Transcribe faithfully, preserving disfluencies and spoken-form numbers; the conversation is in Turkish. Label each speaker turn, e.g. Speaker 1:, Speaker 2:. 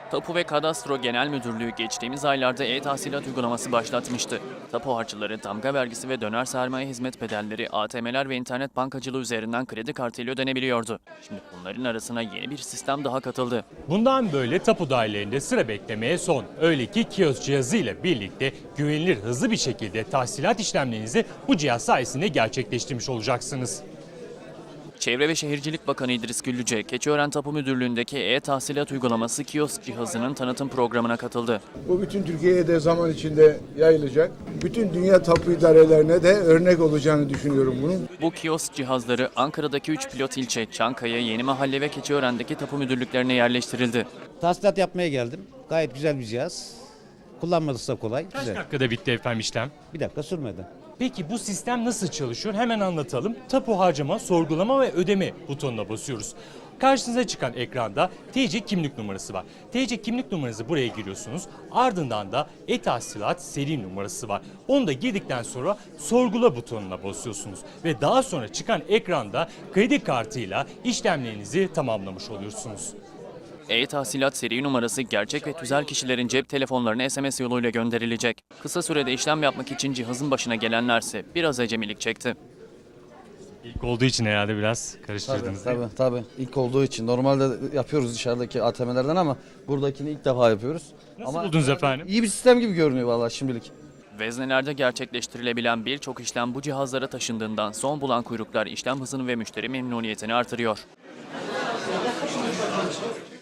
Speaker 1: Tapu ve Kadastro Genel Müdürlüğü geçtiğimiz aylarda e-tahsilat uygulaması başlatmıştı. Tapu harçları, damga vergisi ve döner sermaye hizmet bedelleri A T M'ler ve internet bankacılığı üzerinden kredi kartıyla ödenebiliyordu. Şimdi bunların arasına yeni bir sistem daha katıldı.
Speaker 2: Bundan böyle tapu dairelerinde sıra beklemeye son. Öyle ki kiosk cihazı ile birlikte güvenilir, hızlı bir şekilde tahsilat işlemlerinizi bu cihaz sayesinde gerçekleştirmiş olacaksınız.
Speaker 1: Çevre ve Şehircilik Bakanı İdris Güllüce, Keçiören Tapu Müdürlüğü'ndeki e-tahsilat uygulaması kiosk cihazının tanıtım programına katıldı.
Speaker 3: Bu bütün Türkiye'ye de zaman içinde yayılacak. Bütün dünya tapu idarelerine de örnek olacağını düşünüyorum bunun.
Speaker 1: Bu kiosk cihazları Ankara'daki üç pilot ilçe, Çankaya, Yenimahalle ve Keçiören'deki tapu müdürlüklerine yerleştirildi.
Speaker 4: Tahsilat yapmaya geldim. Gayet güzel bir cihaz. Kullanması da kolay.
Speaker 2: Kaç
Speaker 4: Güzel.
Speaker 2: dakikada bitti efendim işlem?
Speaker 4: Bir dakika sürmedi.
Speaker 2: Peki bu sistem nasıl çalışıyor? Hemen anlatalım. Tapu harcama, sorgulama ve ödeme butonuna basıyoruz. Karşınıza çıkan ekranda T C kimlik numarası var. T C kimlik numaranızı buraya giriyorsunuz. Ardından da e-tahsilat seri numarası var. Onu da girdikten sonra sorgula butonuna basıyorsunuz. Ve daha sonra çıkan ekranda kredi kartıyla işlemlerinizi tamamlamış oluyorsunuz.
Speaker 1: E-tahsilat seri numarası gerçek ve tüzel kişilerin cep telefonlarına S M S yoluyla gönderilecek. Kısa sürede işlem yapmak için cihazın başına gelenlerse biraz acemilik çekti.
Speaker 2: İlk olduğu için herhalde biraz
Speaker 5: Tabii,
Speaker 2: karıştırdınız.
Speaker 5: tabii, tabii. İlk olduğu için. Normalde yapıyoruz dışarıdaki A T M'lerden ama buradakini ilk defa yapıyoruz.
Speaker 2: Nasıl
Speaker 5: ama
Speaker 2: buldunuz efendim?
Speaker 5: İyi bir sistem gibi görünüyor vallahi şimdilik.
Speaker 1: Veznelerde gerçekleştirilebilen birçok işlem bu cihazlara taşındığından son bulan kuyruklar işlem hızını ve müşteri memnuniyetini artırıyor.